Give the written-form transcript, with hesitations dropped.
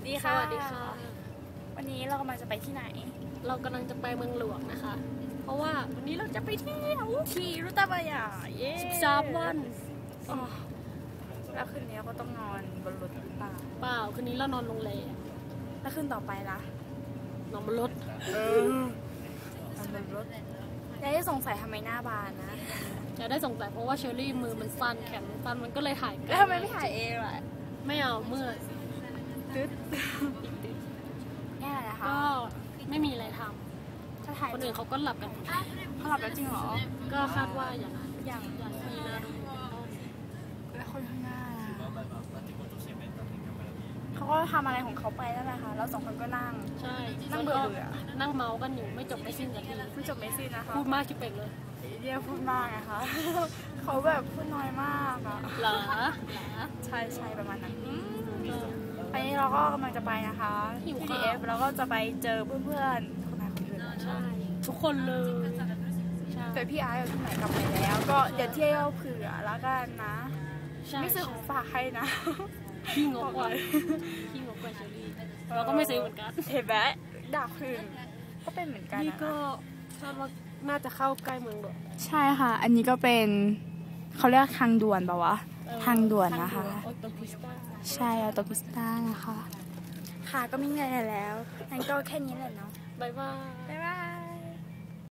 ดีค่ะสวัสดีค่ะวันนี้เรากำลังจะไปที่ไหนเรากำลังจะไปเมืองหลวงนะคะ เพราะว่าวันนี้เราจะไปเที่ยวที่รุตบายาเย้ 13 วันอ๋อแล้วคืนนี้ก็ต้องนอนบนรถหรือเปล่าเปล่าคืนนี้เรานอนโรงแรมแล้วคืนต่อไปล่ะนอนบนรถนอนบนรถยายจะสงสัยทำไมหน้าบานนะจะได้สงสัยเพราะว่าเชอรี่มือมันสั้นแขนมันสั้นมันก็เลยถ่ายแล้วทำไมไม่ถ่ายเองล่ะไม่เอาเมื่อยตึ๊ดนี่อะไรนะคะก็ไม่มีอะไรทถ้าถ่ายำคนอื่นเขาก็หลับกันเขาหลับแล้วจริงเหรอก็คาดว่าอย่างนั้นอย่างอย่างมีนาดูแล้วคนข้างหน้าเขาก็ทำอะไรของเขาไปนั่นแหละค่ะแล้วสองคนก็นั่งใช่นั่งเบื่อเบื่อนั่งเมากันอยู่ไม่จบไม่สิ้นสักทีไม่จบไม่สิ้นนะคะพูดมากชิบเป่งเลยเดียพูดมากนะคะ เขาแบบพูดน้อยมากอะเหรอใช่ใช่ประมาณนั้นอันนี้เราก็กำลังจะไปนะคะที่ DF แล้วก็จะไปเจอเพื่อนๆคนไหนคนอื่นใช่ทุกคนเลยใช่แต่พี่อาร์ตกับพี่ไหนกลับไปแล้ว ก็เดี๋ยวเที่ยวเผื่อแล้วกันนะใช่ไม่ซื้อของฝากให้นะพี่งกกว่าพี่งกกว่าเชอรี่เราก็ไม่ซื้อเหมือนกันเห็นไหมด่าคืนก็เป็นเหมือนกันนี่นะก็คาดว่าน่าจะเข้าใกล้เมืองหลวงใช่ค่ะ อันนี้ก็เป็นเขาเรียกทางด่วนป่าวะทางด่วนนะคะออโตพิสตาใช่ออโตพิสตานะคะค่ะก็ไม่มีอะไรแล้วงั้นก็แค่นี้แหละเนาะบายบายบ๊ายบาย